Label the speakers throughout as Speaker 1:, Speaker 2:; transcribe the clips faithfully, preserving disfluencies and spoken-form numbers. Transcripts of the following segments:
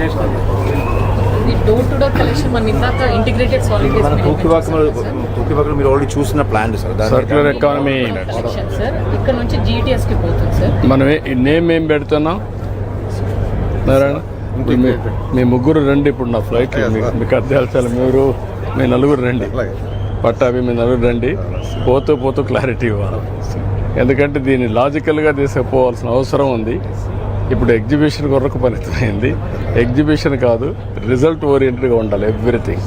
Speaker 1: ఇది door to door collection మన ఇందాక ఇంటిగ్రేటెడ్ సాలిడ్
Speaker 2: మన తూకివాకలో మీరు ఆల్రెడీ చూసిన plan sir
Speaker 3: circular economy
Speaker 1: collection sir ఇక్కడ నుంచి జీటీఎస్ కి పోతుంది సార్.
Speaker 3: మనం ఈ నేమ్ ఏం పెడుతున్నాం నారాయణ? మీ- మీ ముగ్గురు రండి ఇప్పుడు నా ఫ్లైట్ మీకు అర్థాల్సాలి. మీరు మీ నలుగురు రండి, పట్టాభి మీ నలుగురు రండి. పోతూ పోతూ క్లారిటీ ఇవ్వాలి, ఎందుకంటే దీన్ని లాజికల్గా తీసుకుపోవాల్సిన అవసరం ఉంది. ఇప్పుడు ఎగ్జిబిషన్ కొరకు పనిపోయింది. ఎగ్జిబిషన్ కాదు, రిజల్ట్ ఓరియంటెడ్గా ఉండాలి ఎవ్రీథింగ్.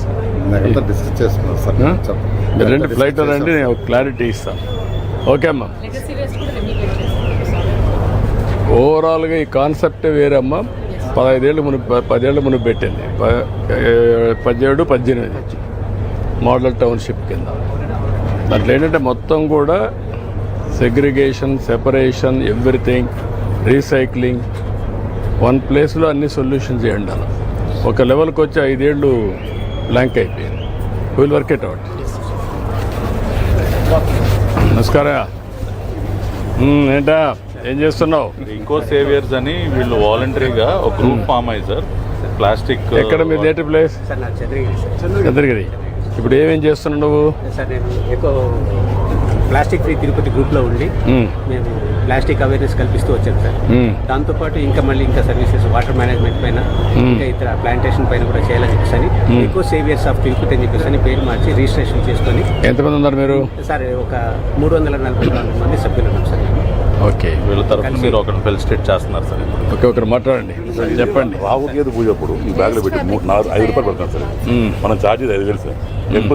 Speaker 3: మీరు రండి, ఫ్లైట్ రండి, నేను క్లారిటీ ఇస్తాను. ఓకే అమ్మా.
Speaker 1: లెగసీ వేస్ట్ కూడా రెమ్యూనేట్ చేస్తాం.
Speaker 3: ఓవరాల్గా ఈ కాన్సెప్టే వేరే అమ్మ. పదహైదేళ్ళు మును పదేళ్ళు మును పెట్టింది, ప- పదిహేడు పద్దెనిమిది మోడల్ టౌన్షిప్ కింద. దాంట్లో ఏంటంటే మొత్తం కూడా segregation, separation, everything, recycling, one ప్లేస్లో అన్ని సొల్యూషన్స్ చేయండి. అలా ఒక లెవెల్కి వచ్చి ఐదేళ్ళు బ్లాంక్ అయిపోయింది. Will work it out. నమస్కారం. ఉమ్, ఏంటా ఏం చేస్తున్నావు?
Speaker 4: ఇంకో సేవియర్స్ అని వీళ్ళు వాలంటరీగా ఒక గ్రూప్ ఫామ్ అయ్యి సార్. ప్లాస్టిక్
Speaker 3: ఎక్కడ మీ నేటివ్ ప్లేస్?
Speaker 5: సార్ నా చంద్రగిరి సార్.
Speaker 3: చంద్రగిరి. ఇప్పుడు ఏమేం చేస్తున్నావు నువ్వు?
Speaker 5: సార్ నేను ఎక్కువ ప్లాస్టిక్ ఫ్రీ తిరుపతి గ్రూప్లో ఉండి
Speaker 3: ఉమ్,
Speaker 5: మేము ప్లాస్టిక్ అవేర్నెస్ కల్పిస్తూ వచ్చాం సార్.
Speaker 3: ఉమ్,
Speaker 5: దాంతోపాటు ఇంకా మళ్ళీ ఇంకా సర్వీసెస్ వాటర్ మేనేజ్మెంట్ పైన
Speaker 3: Hmm.
Speaker 5: ఇంకా ఇతర ప్లాంటేషన్ పైన కూడా చేయాలని చెప్పేసి అని
Speaker 3: Hmm.
Speaker 5: ఎక్కువ సేవియర్స్ ఆఫ్ తిరుపతి అని చెప్పేసి అని పేరు మార్చి రిజిస్ట్రేషన్ చేసుకొని
Speaker 3: ఎంతమంది ఉన్నారు మీరు?
Speaker 5: సార్ ఒక మూడు వందల నలభై నాలుగు మంది సభ్యులు ఉన్నాం సార్.
Speaker 3: ఓకే,
Speaker 4: వీళ్ళ తరఫున మీరు ఒకరిని ఫెలిసిటేట్ చేస్తున్నారు సార్.
Speaker 3: ఓకే, ఒకరు మాట్లాడండి, చెప్పండి.
Speaker 6: రావు గేదె పూజ అప్పుడు ఈ బ్యాగ్లో పెట్టి మూడు నాలుగు ఐదు రూపాయలు పడతాం సార్.
Speaker 3: ఉమ్,
Speaker 6: మనం ఛార్జెస్ ఐదు వేలు సార్. ఎక్కువ